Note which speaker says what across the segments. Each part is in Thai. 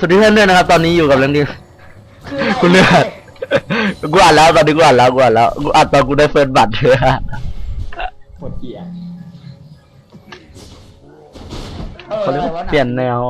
Speaker 1: วัสดีเพื่อนด้วยนะครับตอนนี้อยู่กับเรื่องนี้กูเลือกกูอ่านแล้วตอนนี้กูอ่านแล้วกูอ่านตอนกูได้เฟิร์สบัตรเถอะ
Speaker 2: หมดเกียร์
Speaker 1: เขาเรียกว่าเปลี่ยนแนว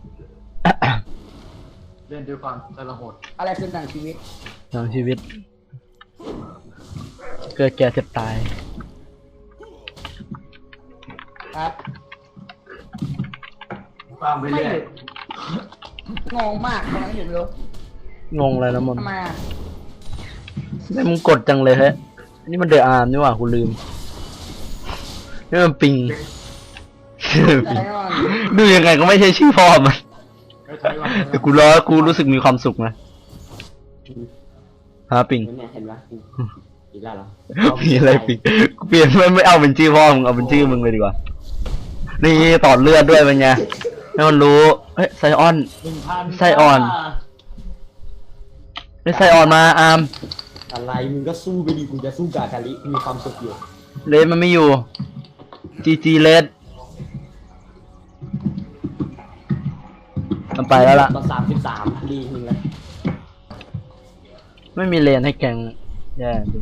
Speaker 3: เล่นด้วยความทรหด
Speaker 2: อะไรคือหนังชีวิต
Speaker 1: หนังชีวิต เกิดแก่เจ็บตาย
Speaker 2: ครับ
Speaker 3: ความไปเรื่อย
Speaker 2: งงมากตอนนั้นอยู่ไม่รู้
Speaker 1: งงเลยนะมึง
Speaker 2: ทำไมอ่ะ
Speaker 1: ไม่มึงกดจังเลยเฮ้ยนี่มันเดอะอาร์มนี่หว่ากูลืมนี่มันปิง
Speaker 2: ใจก่อน
Speaker 1: ดูยังไงก็ไม่ใช่ชื่อพ่อมัน
Speaker 3: ไม่ถอยหลัง
Speaker 1: แต่กูรู้สึกมีความสุขนะฮะปิง
Speaker 2: เนี่ยเห็นปะอีกแล้วเหรอ
Speaker 1: มีอะไรปิงกูเปลี่ยนไม่เอาเป็นชื่อพ่อมึงเอาเป็นชื่อมึงเลยดีกว่านี่ต่อเลือดด้วยเป็นไงให้มันรู้เฮ้ยไซออน
Speaker 3: 1,000
Speaker 1: ไส้อ่อน ได้ไซออนมาอาร์ม
Speaker 2: อะไรมึงก็สู้ไปดิกูจะสู้กับอาคาริมีความสุขอยู่
Speaker 1: เลสมันไม่อยู่จีเลสมันไปแล้วล่ะ
Speaker 2: ตอน33ดีนึงเลย
Speaker 1: ไม่มีเลนให้แกงแย่จริง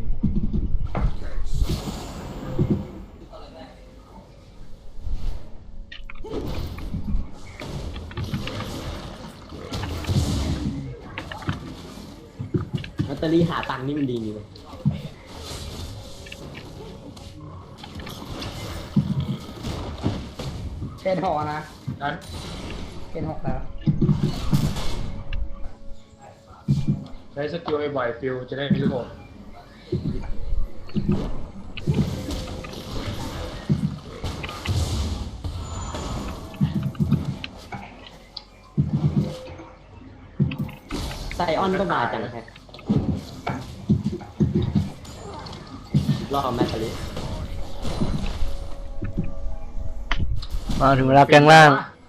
Speaker 2: ลอตเตอรี่หาตังค์นี่มันดีนี่เลยเป็นหอนะ
Speaker 3: นั้น
Speaker 2: เป็น6แล้ว
Speaker 3: ใช้สกิลบ่อยๆฟิลจะได้รู้ผล
Speaker 2: ไซออนก็มาจังแฮะรอบแมคคาริ
Speaker 1: มาถึงเวลาแกงล่าง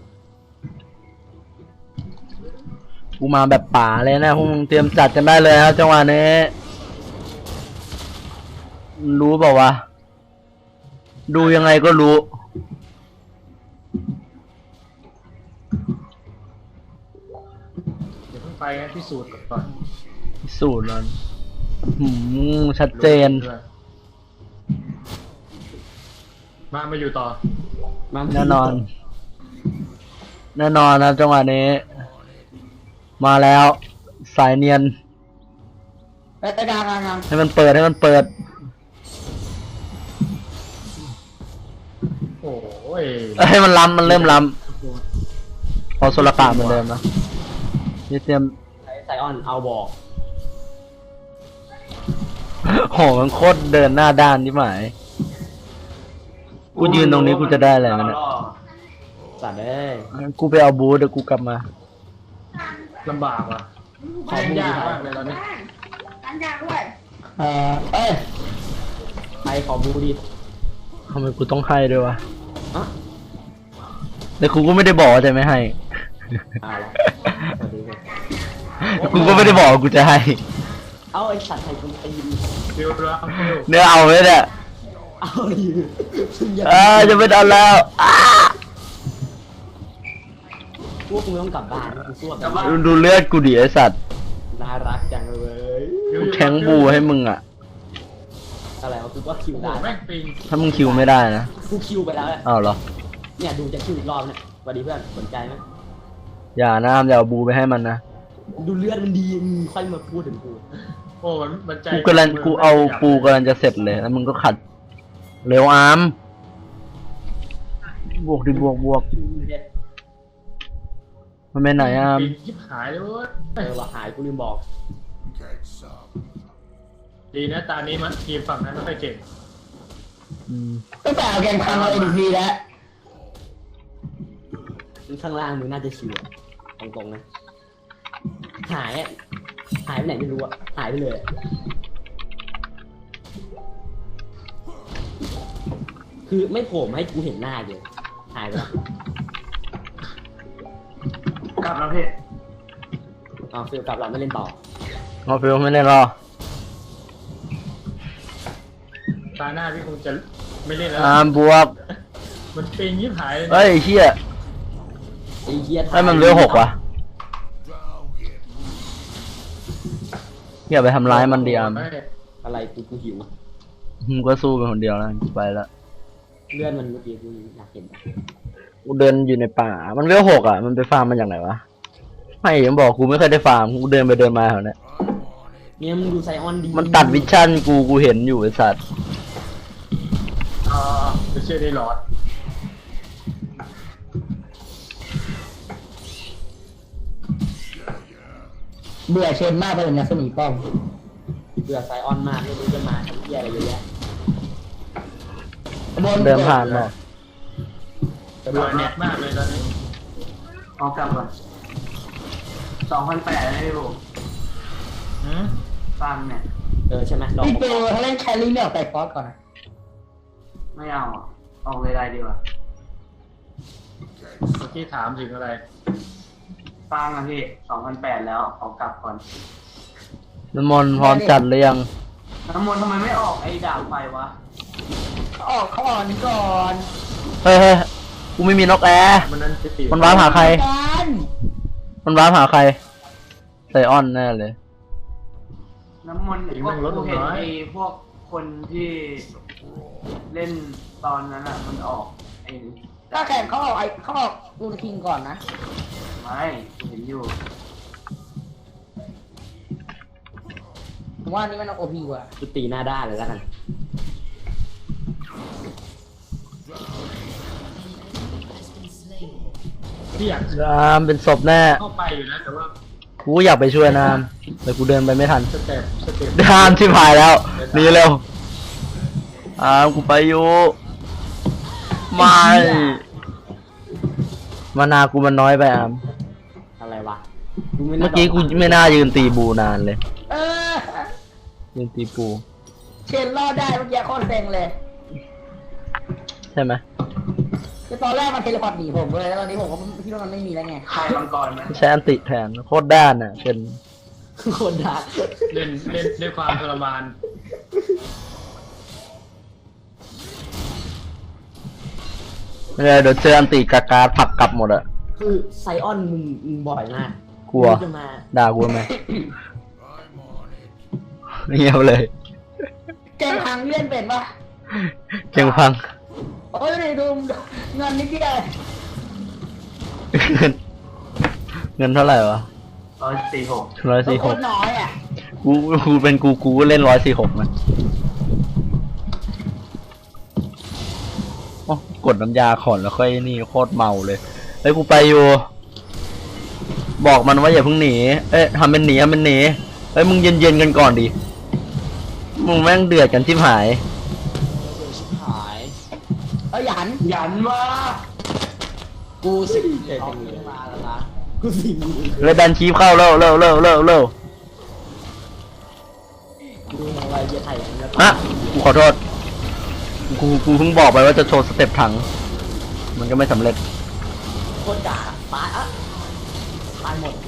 Speaker 1: กูมาแบบป่าเลยนะพวกมึงเตรียมจัดกันได้เลยครับจังหวะนี้รู้เปล่าวะดูยังไงก็รู้
Speaker 3: เดี๋ยวเพิ่งไปงั้นพิสูจน์ก่อน
Speaker 1: พิสูจน์มันชัดเจน
Speaker 3: ด้วยมาอยู่ต่อ
Speaker 1: แน่นอนนะจังหวะนี้ มาแล้วสายเนียน
Speaker 2: ไปกลาง
Speaker 1: ให้มันเปิด
Speaker 3: โอ้ย
Speaker 1: ให้มันล้ำมันเริ่มล้ำพอโซลกาเหมือนเดิมนะนี่เตรียม
Speaker 2: ไซออนเอาบอก
Speaker 1: โหมันโคตรเดินหน้าด้านที่หมายกูยืนตรงนี้กูจะได้อะไรมันเนี่ย
Speaker 2: สัตว์เอ้ย
Speaker 1: กูไปเอาบูธเดี๋ยวกูกลับมา
Speaker 3: ลำบากว่ะ
Speaker 2: ขอ
Speaker 3: เล่น
Speaker 2: บู
Speaker 3: ยาก
Speaker 2: ดี
Speaker 3: มากเลยตอนนี้
Speaker 4: กันยาด้วย
Speaker 2: เอ้ยใครขอบูดี
Speaker 1: ทำไมกูต้องให้ด้วยวะ
Speaker 2: อ่ะ
Speaker 1: แต่กูก็ไม่ได้บอกว่าจะไม่ให้
Speaker 2: เอาละสวัสดีครับ
Speaker 1: แต่กูก็ไม่ได้บอกว่ากูจะให้
Speaker 2: เอาไอสัตว์ไทยคนตีน
Speaker 3: ฟิลแล้วฟิล
Speaker 1: เนี่ยเอาไว้เนี่ย
Speaker 2: เอาดิซึ่งอย่า
Speaker 1: จะไม่เอาแล้วอ้า
Speaker 2: พวกมึงต้องกลับบ้านกูสู้กับบ้าน
Speaker 1: ดูเลือดกูดิไอสัตว์
Speaker 2: น่ารักจังเลย
Speaker 1: กูแทงบูให้มึงอ่ะ
Speaker 2: อะไรวะกูว่าคิว
Speaker 3: โอ้โห
Speaker 2: ได้
Speaker 3: แม่งปิง
Speaker 1: ถ้ามึงคิวไม่ได้นะ
Speaker 2: กูคิวไปแล้ว
Speaker 1: อ้าวเหรอ
Speaker 2: เนี่ยดูจะคิวอีกรอบเนี่ยสวัสดีเพื่อนสนใจไหม
Speaker 1: อย่านะอามอย่าเอาบูไปให้มันนะ
Speaker 2: ดูเลือดมันดีมึงค่อยมาพูดถึงกู
Speaker 3: โอ้มันใจ
Speaker 1: กูเอาปูกำลังจะเสร็จเลยแล้วมึงก็ขัดเร็วอาร์มบวกดิบวกมันไปไหนอาร์ม
Speaker 3: ปิงยิบหายเลยเว้ย
Speaker 2: ว่าหายกูลืมบอก
Speaker 3: ดีนะตานี้มันทีมฝั่งนั้นไม่ค่อยเก่ง
Speaker 2: ตั้งแต่เอาแกงพังเราเอ็นพีแล้วข้างล่างมึงน่าจะชิวอะตรงๆนะหายอะหายไปไหนไม่รู้อะหายไปเลยอะคือไม่โผล่มาให้กูเห็นหน้าเลยหายไปแล้ว
Speaker 3: กลับแล้วพี่
Speaker 2: อ๋อฟิลกลับเราไม่เล่นต่อ
Speaker 1: เอาฟิลไม่เล่นหรอ
Speaker 3: ตาหน้าพี่คงจะไม่เล่นแล้ว
Speaker 1: อาร์มบวก
Speaker 3: มันปิงยิบหายเลย
Speaker 1: เฮ้ยเชี่ย
Speaker 2: ไอ้เหี้ย
Speaker 1: ให้มันเลือ6วะอย่าไปทำร้ายมันดิอาม
Speaker 2: อะไรกูหิว
Speaker 1: มึงก็สู้เป็นคนเดียวแล้วกูไปละ
Speaker 2: เลื่อนมันเมื่อกี้กูอยากเห็น
Speaker 1: กูเดินอยู่ในป่า มันเวล6อ่ะ มันไปฟาร์มมันจากไหนวะ ไม่ยังบอกกูไม่เคยได้ฟาร์ม กูเดินไปเดินมาแถวเนี้ย
Speaker 2: เนี่ยมึงดูไซออนดี
Speaker 1: มันตัดวิชั่นกูเห็นอยู่ไอ้สัตว์
Speaker 3: ไม่เชื่อได้หลอด
Speaker 4: เบื่อเชนมากไปเลยนะสมีป้อม
Speaker 2: เบื่อไซออนมากไม่รู้จะมาทำเหี้ยอะไรเยอะแยะ
Speaker 1: เดินผ่านมา
Speaker 3: เบื่อเน็ตมากเลยตอนนี้
Speaker 5: เอากลับก่อน2,800นะพี่บู
Speaker 3: หืม
Speaker 5: ฟังเนี่ย
Speaker 2: ใช่ไหมลอง
Speaker 4: พี่เจอถ้าเล่นแครี่ไม่ออกไปฟอสก่อนนะ
Speaker 5: ไม่เอาอ่ะออกเลยไรดีกว่า
Speaker 3: เมื่อกี้ถามถึงอะไร
Speaker 5: ฟังอ่ะพี่2,800แล้วเอากลับก่อน
Speaker 1: น้ำมนต์พร้อมจัดหรือยัง
Speaker 5: น้ำมนต์ทำไมไม่ออกไอ้ดาบไฟวะ
Speaker 4: เขาออกนี่ก่อน
Speaker 1: เฮ้ยกูไม่มีนกแอร์
Speaker 3: มันนั้นจะตี
Speaker 1: มันว้าร์ปหาใคร
Speaker 4: กัน
Speaker 1: มันว้าร์ปหาใครไซออนแน่เลย
Speaker 5: น้ำมนต์พวกกูเห็นไอ้พวกคนที่เล่นตอนนั้นอ่ะมันออกไอ้
Speaker 4: ถ้าแข่งเขาออกรูนคิงก่อนนะ
Speaker 5: ไม่กูเห็นอยู่
Speaker 4: ผมว่านี่มันโอพีกว่า
Speaker 2: กูตีหน้าด้านเลยแล้วกัน
Speaker 3: ที่อยาก
Speaker 1: นามเป็นศพแน่
Speaker 3: เข้าไปอยู่นะแต่ว่า
Speaker 1: กูอยากไปช่วยนามแต่กูเดินไปไม่ทัน
Speaker 3: สเต็ป
Speaker 1: นามชิบหายแล้วหนีเร็วกูไปอยู่ไม่มานากูมันน้อยไปอาม
Speaker 2: อะไรวะ
Speaker 1: เมื่อกี้กูไม่น่ายืนตีบูนานเลย
Speaker 4: เออ
Speaker 1: ยืนตีปู
Speaker 4: เชนรอดได้เมื่อกี้โคตรเซ็งเลย
Speaker 1: ใช่ไหม
Speaker 4: คือตอนแรกมันเทเลพอร์ตหนีผมเลยแล้วตอนนี้ผมก็คิดว่ามันไม่มีแล้วไง
Speaker 5: ใครมังกรไหม
Speaker 1: ใช้อันติแทนโคตรด้านอ่ะเป็น
Speaker 2: คนด่า
Speaker 3: เล่นด้วยความทรมาน
Speaker 1: ไม่ได้เดี๋ยวเจออันติกากาผลักกลับหมดอะ
Speaker 2: คือไซออนมึงบ่อยมาก
Speaker 1: กลัว
Speaker 2: มึงจะมา
Speaker 1: ด่ากูไหมเงียบเลย
Speaker 4: เกมพังเล่นเป็นปะ
Speaker 1: เก่งพัง
Speaker 4: โอ้ยดูเงินนิดเดียว
Speaker 1: เงินเท่าไหร่วะ
Speaker 5: 146
Speaker 1: 146
Speaker 4: โคตรน้อยอ่ะ
Speaker 1: กูเป็นกูก็เล่น146นะโอ้กดน้ำยาขอนแล้วค่อยนี่โคตรเมาเลยเฮ้ยกูไปอยู่ บอกมันว่าอย่าเพิ่งหนีทำเป็นหนีเฮ้ยมึงเย็นๆกันก่อนดิมึงแม่งเดือดกันชิบหาย
Speaker 2: หาย
Speaker 4: หยัน
Speaker 5: หยันว่า
Speaker 2: กูสิเอาขึ้นมาแล้วนะกูสิ
Speaker 1: เลยดันชีฟเข้าเร็ว
Speaker 2: ดูอะไรจะไถ่กันแล้ว
Speaker 1: ฮะกูขอโทษกูเพิ่งบอกไปว่าจะโชว์สเต็ปถัง มันก็ไม่สำเร็จ
Speaker 2: โคตรด่าตายตายหมด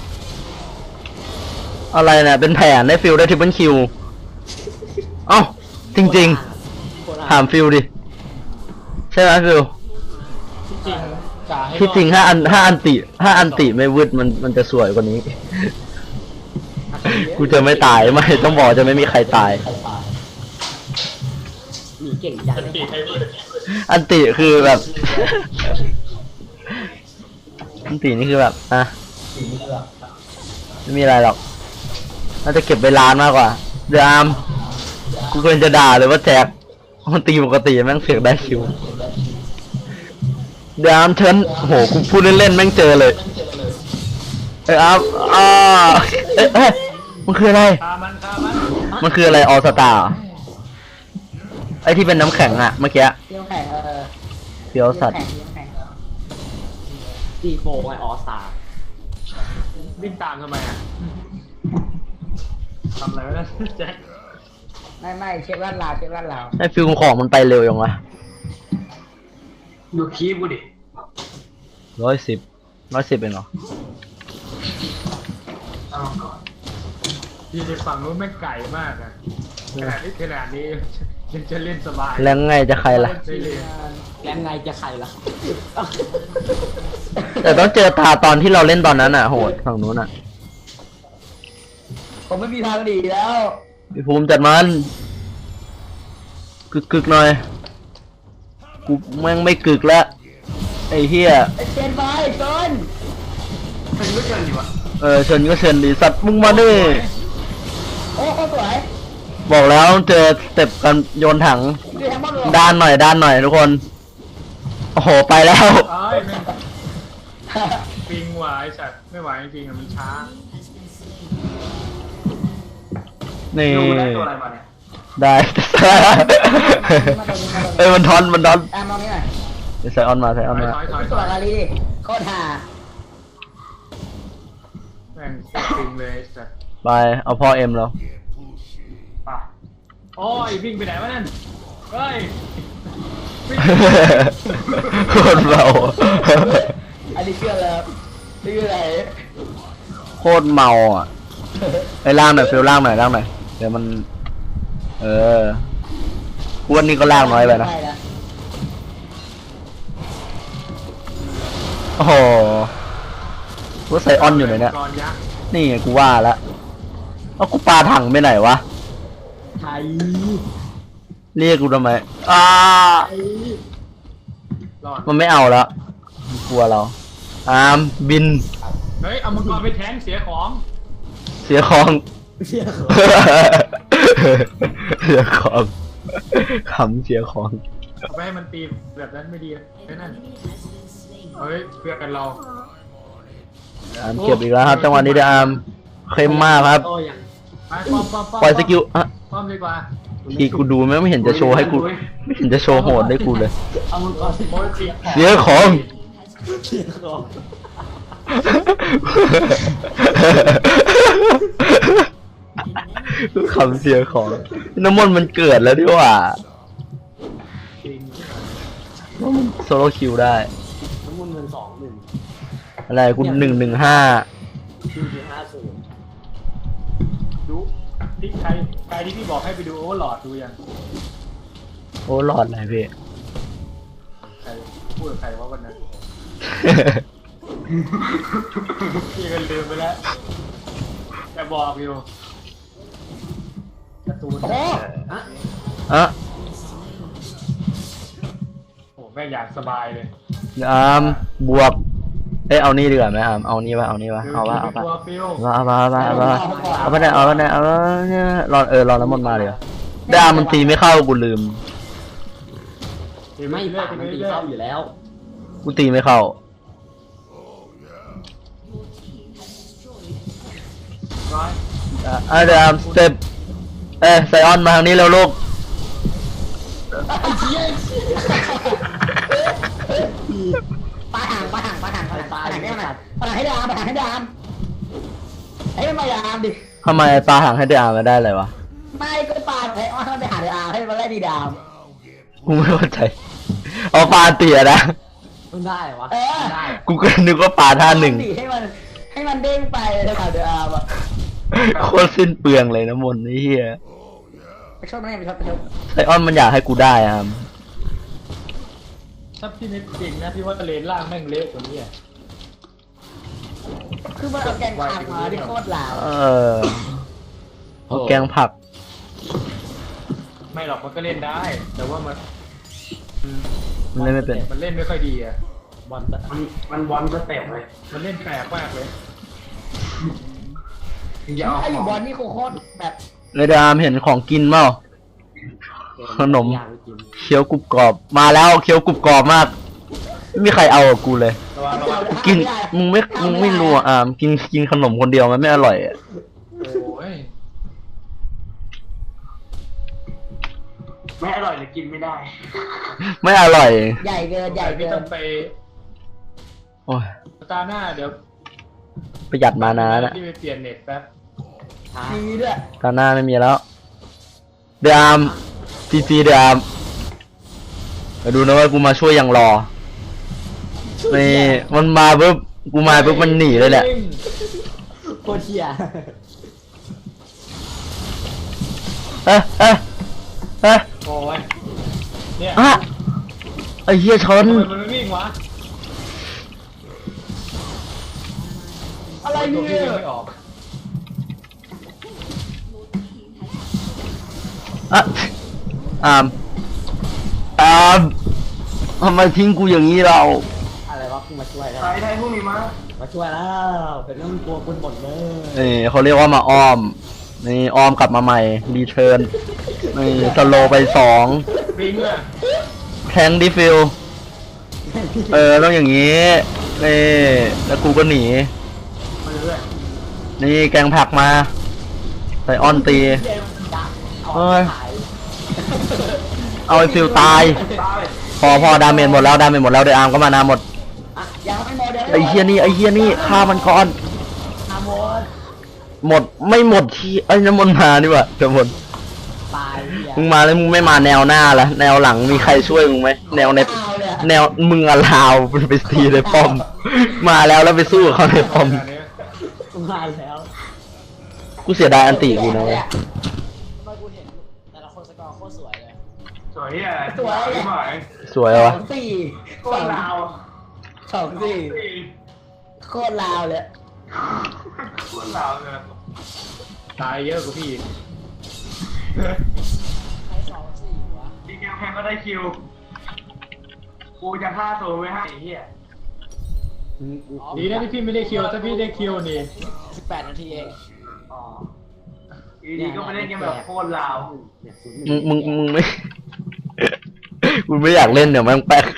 Speaker 1: อะไรเนี่ยเป็นแผนได้ฟิลได้ทริปเปิลคิวเอ้าจริงๆถามฟิลดิใช่ไหมฟิล
Speaker 3: ที่จริงกาให้
Speaker 1: ที่จริงถ้าอันติไม่วืดมันจะสวยกว่านี้ กูจะไม่ตายไม่ต้องบอกจะไม่มีใครตาย
Speaker 2: หนีเก่งจัง
Speaker 3: ตีให้ด้วย
Speaker 1: อันติคือแบบ อันตินี่คือแบบไม่มีอะไรหรอกน่าจะเก็บไปร้านมากกว่าเดี๋ยวอามกูควรจะด่าเลยว่าแจกมันตีปกติแม่งเสียงได้คิวเดี๋ยวอามเชิญโหกูพูดเล่นๆแม่งเจอเลยอามเอ้ยมันคืออะไร
Speaker 3: ฆ่ามัน
Speaker 1: มันคืออะไรออสตาไอที่เป็นน้ำแข็งอะเมื่อกี้
Speaker 4: เที่ยวแข่ง
Speaker 1: เฟี้ยวสัตว์
Speaker 4: เที่ยวแข่ง
Speaker 2: ตีโฟไอออสตา
Speaker 3: วิ่งตามทำไมอ่ะทำอะไรไม่ได้แจ็ค
Speaker 4: ไม่เช็คลาดลาว
Speaker 1: ไอฟิลของมันไปเร็วยังวะ
Speaker 5: ดูคีบกูดิ
Speaker 1: 110เองเหรอ
Speaker 5: เอาก่อน
Speaker 3: ที่ในฝั่งนู้นไม่งไก่มากอ่ะขนาดนี้ยังจะเล่นสบาย
Speaker 1: แล้วไงจะใครล่ะ
Speaker 3: ได้เลย
Speaker 2: แล้วไงจะใครล่ะ
Speaker 1: แต่ต้องเจอตาตอนที่เราเล่นตอนนั้นอะโหดฝั่งนู้นอะ
Speaker 4: โคผมไม่มีทางหนีแล้ว
Speaker 1: พี่ภูมิจัดมันกึกหน่อยกูแม่งไม่กึกแล้วไอ้เหี้ย
Speaker 4: ไอ้เจนไปเกิน
Speaker 5: มันไม่เกินอยู่วะ
Speaker 1: เชิญก็เชิญดิสัตว์มึงมาดิ
Speaker 4: โอ้โหสวย
Speaker 1: บอกแล้วเจอสเต็ปกันโยนถัง
Speaker 4: คือแฮมเบอร์เกอร์
Speaker 1: ด้านหน่อยทุกคนโอ้โหไปแล้ว
Speaker 3: เอ้ยแม่งปิงไหวสัตว์ไม่ไหวจริงๆอะมันช้า
Speaker 1: นี่
Speaker 5: ดูได้ตัวอะไรมาเนี่ย
Speaker 1: ได้ เอ้ยมันทอน
Speaker 4: แอมมองนี่หน่อย
Speaker 1: ใส่ออนมา
Speaker 3: ถอย
Speaker 4: ตัวกาลีดิโคตรห่า
Speaker 3: แม่งปิงเลยสัตว์
Speaker 1: ไปเอาพ่อเอ็มแล้ว
Speaker 5: ป่ะ
Speaker 3: โอ้ยวิ่งไปไหนวะนั่นเฮ้ยวิ่ง
Speaker 1: โคตรเบา
Speaker 4: อันนี้เชื่อแล้วนี่คืออะไร
Speaker 1: โคตรเมาอ่ะไอ้ล่างหน่อยฟิลล่างหน่อยเดี๋ยวมันอ้วนนี่ก็ล่างน้อยไปนะโอ้โหว่าใส่ออนอยู่ไหนเนี่ย
Speaker 3: กรยักษ์
Speaker 1: นี่ไงกูว่าละเอากูปาถังไปไหนวะ
Speaker 4: ไทย
Speaker 1: เรียกกูทำไม
Speaker 3: รอด
Speaker 1: มันไม่เอาแล้วมันกลัวเราบิน
Speaker 3: เฮ้ยเอามังกรไปแทงเสียของ
Speaker 1: เสียของ
Speaker 4: เชื่อเหรอ
Speaker 1: เสียของขำเสียของ
Speaker 3: เอาไปให้มันตีแบบนั้นไม่ดีแค่นั้นเฮ้ยเพื่อกันเรา
Speaker 1: เก็บอีกแล้วครับจังหวะนี้เดอามเข้มมากครับ
Speaker 2: โอ้ยัง
Speaker 3: ไปป้อม
Speaker 1: ปล่อยสกิลอ่ะ
Speaker 3: ป้อมดีกว่า
Speaker 1: ทีกูดูไม่เห็นจะโชว์ให้กูไม่เห็นจะโชว์โหดให้กูเลย
Speaker 2: เอามังกร
Speaker 3: โอ้ยเสีย
Speaker 1: เสียของ
Speaker 2: เสียของ
Speaker 1: ขำเสียของน้ำมนต์มันเกิดแล้วดีกว่า
Speaker 3: จริง
Speaker 1: โซโล่คิวได้
Speaker 2: น้ำมันเงิน2-1
Speaker 1: อะไรกู115
Speaker 2: 2.50
Speaker 3: ดูที่ใครที่พี่บอกให้ไปดูโอเวอร์ลอดดูยัง
Speaker 1: โอ้หลอดอะไรพี่
Speaker 3: ใครพูดกับใครว่าวันนั้นพี่ก็ลืมไปแล้วแต่บอกอยู่การ์ตูน
Speaker 4: โอ้
Speaker 1: อ่ะ
Speaker 3: โอ้แม่งอยากสบายเลย
Speaker 1: บวกเอานี่ดีกว่าไหมเอานี่ป่ะเอาป่ะ
Speaker 3: ตัวฟิว
Speaker 1: เอาไปได้เนี่ยรอน้ำมนต์มาเลยได้มันตีไม่เข้ากูลืม
Speaker 2: ไม่ปากมันตีเข้าอยู่แล้ว
Speaker 1: กูตีไม่เข้า
Speaker 3: ร้อย
Speaker 1: เดี๋ยวสเต็ปไซออนมาทางนี้แล้วลูก
Speaker 4: ปาห่างให้มันปาห่างให้ดามให้มันมาดามดิ
Speaker 1: ทำไมปลาหางให้เดอามาได้เลยวะ
Speaker 4: ไม่ก็ปาให้ว่ามันไปหาดามให้มันไล่ดีดาม
Speaker 1: กูไม่เข้าใจเอาปลาเตี๋ยนะ
Speaker 2: มันได้เหรอวะ
Speaker 4: ได้
Speaker 1: กูก็นึกว่าปลาท่าหนึ่ง
Speaker 4: ให้มันเด้งไปเลยค่ะเดอามอ่ะ
Speaker 1: โคตรสิ้นเปลืองเลยนะมนต์นี่เฮีย
Speaker 4: ไปชดมันไปชด
Speaker 1: ไซออนมันอยากให้กูได้
Speaker 3: ถ้าพี่นึกจริงนะพี่ว่าเลนล่างแม่งเละกว่านี้อ่ะ
Speaker 4: คือมันเอาแกงผักมาที่โคตรหลาว
Speaker 1: เอาแกงผัก
Speaker 3: ไม่หรอกมันก็เล่นได้ แต่ว่ามัน
Speaker 1: มันเล่นไม่เป็น
Speaker 3: มันเล่นไม่ค่อยดีอ่ะ
Speaker 2: บอล
Speaker 5: มันบอลสเต็ปเลย
Speaker 3: มันเล่นแปลกมากเลย
Speaker 5: อย่าเอา
Speaker 4: ถ้าอยู่
Speaker 5: ข
Speaker 4: บ
Speaker 5: อ
Speaker 4: อง ลนี่โคตรแบบ
Speaker 1: เลยดามเห็นของกินเปล่า ขนม
Speaker 2: ยางกิน
Speaker 1: เคี้ยวกรุบกรอบมาแล้วเคี้ยวกรุบกรอบมากไม่มีใครเอากับกูเลย
Speaker 3: ระวังระวัง
Speaker 1: กินมึงไม่รู้กินขนมคนเดียวมันไม่อร่อยอะ
Speaker 3: โอ้ย
Speaker 5: ไม่อร่อยหรือกินไม่ได้
Speaker 1: ไม่อร่อย
Speaker 4: ใหญ่เกินใหญ่
Speaker 3: พี่
Speaker 4: เกิ
Speaker 3: ต้อน งไป
Speaker 1: โอ้ย
Speaker 3: ตาหน้าเดี๋ยว
Speaker 1: ประหยัดมานะ
Speaker 3: ที่ไปเปลี่ยนเน็ตแป๊บ
Speaker 4: ดีด้วย
Speaker 1: ตาหน้าไม่มีแล้วเดอามจีเดอามมาดูนะว่ากูมาช่วยยังรอนี่มันมาปุ๊บกูมาปุ๊บมันหนีเลยแหละ
Speaker 2: โคตรเชี่ย
Speaker 1: เอ๊ะ
Speaker 3: โอ้ยเนี่ย
Speaker 1: ไอ้เหี้ยชน
Speaker 3: ทำไมมันไม่วิ่งวะ
Speaker 4: อะไร
Speaker 3: ตัว
Speaker 4: เนี่
Speaker 3: พี่
Speaker 4: ย
Speaker 3: ยังไม่ออก
Speaker 1: อะอามทำไมทิ้งกูอย่างนี้เรา
Speaker 2: อะไรวะเพิ่งมาช่วยแล้ว
Speaker 5: ใครได้พวกนี้มา
Speaker 2: มาช่วยแล้วเป็นเรื่องกลัวคุณหมดเลย
Speaker 1: นี่เขาเรียกว่ามาอ้อม นี่อ้อมกลับมาใหม่รีเทิร์นนี่สโลไป2
Speaker 3: บิงอ่ะ
Speaker 1: แทงดิฟิลต้องอย่างนี้นี่แล้วกูก็หนี
Speaker 3: มาเรื่อย
Speaker 1: นี่แกงผักมาใส่ออนตี
Speaker 2: เย้ดัก
Speaker 1: เฮ้ย
Speaker 2: ขาย
Speaker 1: เอาไอ้ฟิลตาย
Speaker 5: ตาย
Speaker 1: พอดาเมจหมดแล้วเดี๋ยวอาร์มก็มานาหมด
Speaker 4: อ่ะยังไม่หมดเดี๋ยว
Speaker 1: ไอ้เฮียนี่ฆ่ามันก่อน
Speaker 2: ฮาโมน
Speaker 1: หมดไม่หมดที่ไอ้ยน้ำมนต์มาดีกว่าน้ำมนต์
Speaker 2: ตายเหี้ย
Speaker 1: มึงมาแล้วมึงไม่มาแนวหน้าละแนวหลังมีใครช่วยมึงไหมแนวใน
Speaker 4: เอาเลยอะ
Speaker 1: แนวมึงอะลาวไปตีในป้อม มาแล้วไปสู้กับเขาในป้อม
Speaker 3: อันนี้
Speaker 2: มาแล้ว
Speaker 1: กูเสียดายอันติกูนะเว้ย
Speaker 2: ทำไมกูเห็นแต่ละคนสกอร์โคตรสวยเลย
Speaker 5: สวยอ่ะสวยไหม
Speaker 1: สวย
Speaker 4: ส
Speaker 1: วะ
Speaker 4: องสี่
Speaker 5: โคตรลาว
Speaker 4: สองสี่โคตรลาวเลย
Speaker 5: โคตรลาวเลย
Speaker 3: ตายเยอะกว่าพี่อีก
Speaker 2: ใคร2-4วะ
Speaker 5: ดีเกมแพงก็ได้คิว กูจะฆ่าตัวไว้ให้ไอ้เหี้ย
Speaker 3: ดีนะที่พี่ไม่ได้คิวถ้าพี่ได้คิวนี่
Speaker 2: 18 นาทีเอง
Speaker 5: อ๋ออยู่ดีก็ไม่ได้เกมแบบโคตรลาว
Speaker 2: เนี่ย
Speaker 1: มึงไม่ กูไม่อยากเล่นเดี๋ยวแม่งแป๊ก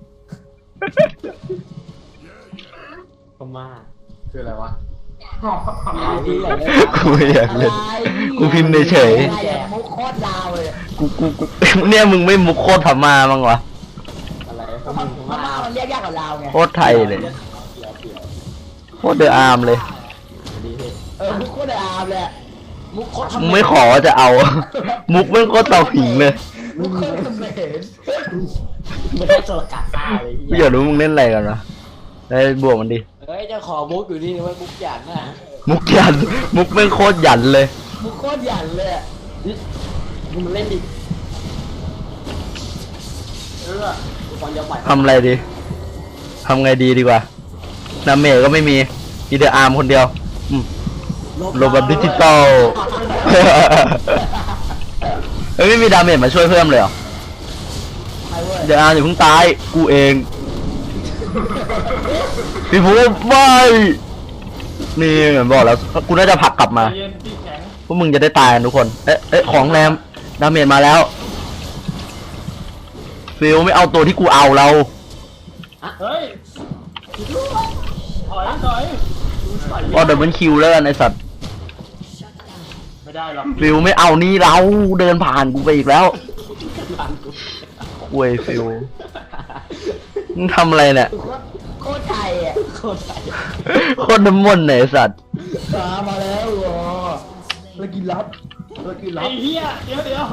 Speaker 2: ก็มา
Speaker 3: คืออะไรวะ
Speaker 2: ดีเลย
Speaker 1: กูไม่อยากเล่น
Speaker 4: อะไร
Speaker 1: กูพิมพ์เฉย
Speaker 4: อะไรอะมุกโคตรลาวเลย
Speaker 1: กูเนี่ยมึงไม่มุกโคตรพม่ามั้งวะ
Speaker 2: อะไร
Speaker 4: พม่าพม่ามันเรียกยากกว่าลาวไง
Speaker 1: โคตรไทยเลย
Speaker 2: เดี๋ยว
Speaker 1: โคตรเดอะอาร์มเลย
Speaker 2: ดีเลย
Speaker 4: มุกโคตรลาวเลยอะ
Speaker 2: มุกโคตร
Speaker 1: มึงไม่ขอจะเอา มุกแม่งโคตรเตาผิงเลย
Speaker 4: มุกโคตรเขมร
Speaker 2: ไม่ได้โจรกัดตาเลย
Speaker 1: ไม่อยากรู้มึงเล่นอะไรกันวะได้บวกมันดิ
Speaker 2: เฮ้ยเจะขอมุกอยู่นี่นะเว้ยมุกหยันน่ะ
Speaker 1: มุกยัน มุกแม่งโคตรหยันเลย
Speaker 4: มุกโคตรหยันเลยอะ
Speaker 2: มึงมาเล่นดิทุกคนจะปล่อย
Speaker 1: ทำอะไรดี ทำไงดีดีกว่านาเมจก็ไม่มีมีเดอะอาร์มคนเดียวโลแบบดิจิตอล เฮ้ยไม่มีดาเมจมาช่วยเพิ่มเลยเหรอ
Speaker 4: ไปเว้ย
Speaker 1: เดอะอาร์มอย่าเพิ่งตาย กูเอง พี่ภูมิไม่ นี่เหมือนบอกแล้ว กูน่าจะผลักกลับมา
Speaker 3: เย็นพี่แข็ง
Speaker 1: พวกมึงจะได้ตายกันทุกคน เอ๊ะของแรมดาเมจมาแล้ว ฟิลไม่เอาตัวที่กูเอาเรา
Speaker 3: เฮ้ยถอย
Speaker 1: ก็เดินเป็นคิวแล้วกันไอสัตว์
Speaker 3: ไม่ได้หรอก
Speaker 1: ฟิลไม่เอานี่เราเดินผ่านกูไปอีกแล้วคุยฟิลมึงทำอะไรเนี่ย
Speaker 4: โคตรไทยอ่ะ
Speaker 2: โคตรใส่
Speaker 1: โคตรน้ำมนต์เนี่ยไอ้สัตว์
Speaker 4: มาแล้วเหรอแล้วกินลับแล้วกินลั
Speaker 3: ไอ้
Speaker 4: บ
Speaker 3: เหี้ยเดี๋ยว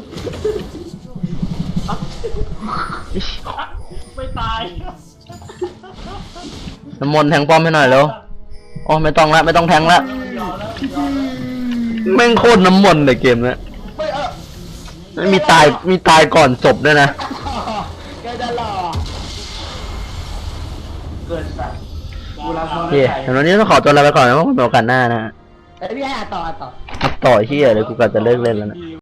Speaker 3: ไม่ตาย
Speaker 1: น้ำมนต์แทงป้อมให้หน่อยแล้วอ๋อไม่ต้องละไม่ต้องแทงละ
Speaker 3: ยอมแล้ว
Speaker 1: แม่งโคตรน้ำมนต์เลยเกมเนี้ย
Speaker 4: ไม่
Speaker 1: ไม่มีตายก่อนจบด้วยนะ
Speaker 4: แกจะหล่อ
Speaker 5: เกิดสัตว์กูรับ
Speaker 1: โอเคเดี๋ยววันนี้ต้องขอตัวลาไปก่อนนะเพราะว่าเป็นโอกาสหน้านะฮะ
Speaker 4: แต่พี่ให้อ่านต่อ
Speaker 1: ต่อที่อะไรกูกะจะเลิกเล่นแล้วนะ